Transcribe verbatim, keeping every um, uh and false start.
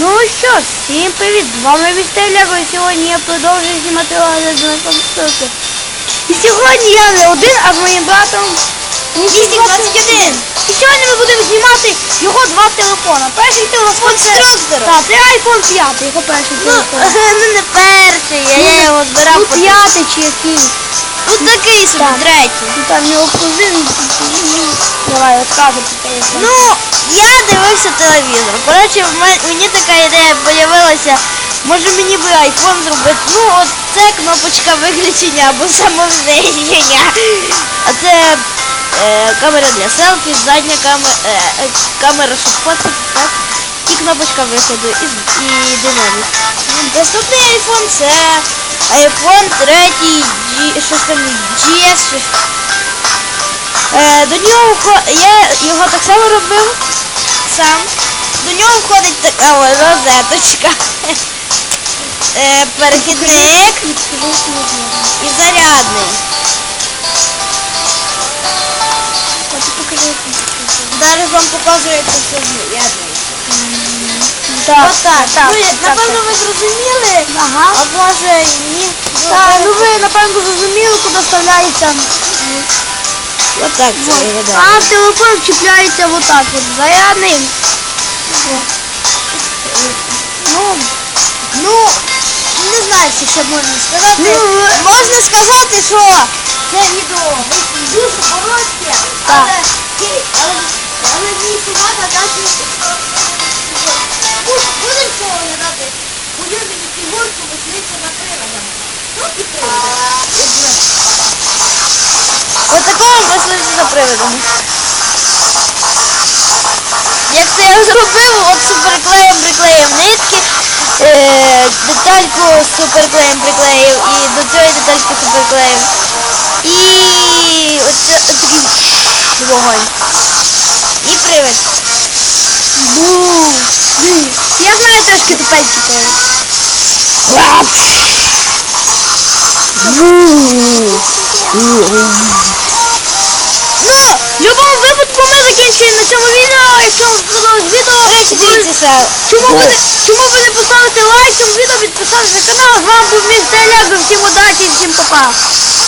Ну що ж, всім привіт! З вами містер Лего, і сьогодні я продовжую знімати огляд на конструкцію. І сьогодні я не один, а з моїм братом двісті двадцять один. І сьогодні ми будемо знімати його два телефона. Перший телефон це... Конструктор. Так, це айфон п'ять, його перший Ну, телефон. ну не перший, я, я його збирав. Ну по- п'ятий чи який. Ну такий собі, Так. третій. Ну там його кузин. Давай, розказуй про телефон. Ну, я дивився телевізор. Коротше, в мен- мені така ідея з'явилася. Може мені би айфон зробити. Ну, от це кнопочка виключення або самовзнищення. А це е, камера для селфі, задня камера, е, е, камера, щоб фоткати, так? І кнопочка виходу, і, з- і динамік. Наступний айфон це айфон третій, G, щось там джі ес, щось. Е, до нього вхо- я його так само робив сам. До нього входить така ось розеточка. Е, перехідник і зарядний. Зараз вам покажу, як це все з'єднується. Так, Отак. так, Ну, так, напевно, так. ви зрозуміли, Ага. а може ні. Так, ну ви напевно зрозуміли, куди вставляється. Отак це Вот. виглядає. А в телефон чіпляється вот так от, зарядний. Ну, Ну, не знаю, що ще можна сказати. Ну, ви- Можна сказати, що це відео вийшло дуже коротке, Так. але, але, але мені сумата дати. Будемо що оглядати улюблені фігурки, мисливця на приладах. Ну і приводи. Ось такого мисливця за приводом. Як це я зробив, от суперклеєм приклеїв нитки, е, детальку з суперклеєм приклеїв і до цієї детальки суперклеїв. І оце такий вогонь. І привид. бу. Я знаю трошки тупенький привид. Ну, В будь-якому випадку ми закінчуємо на цьому відео. Якщо вам сподобалось відео, до речі, дивіться ще. чому ви не, чому ви не поставите лайк цьому відео, підписатися на канал. З вами був містер Лего. Всім удачі, всім па-па.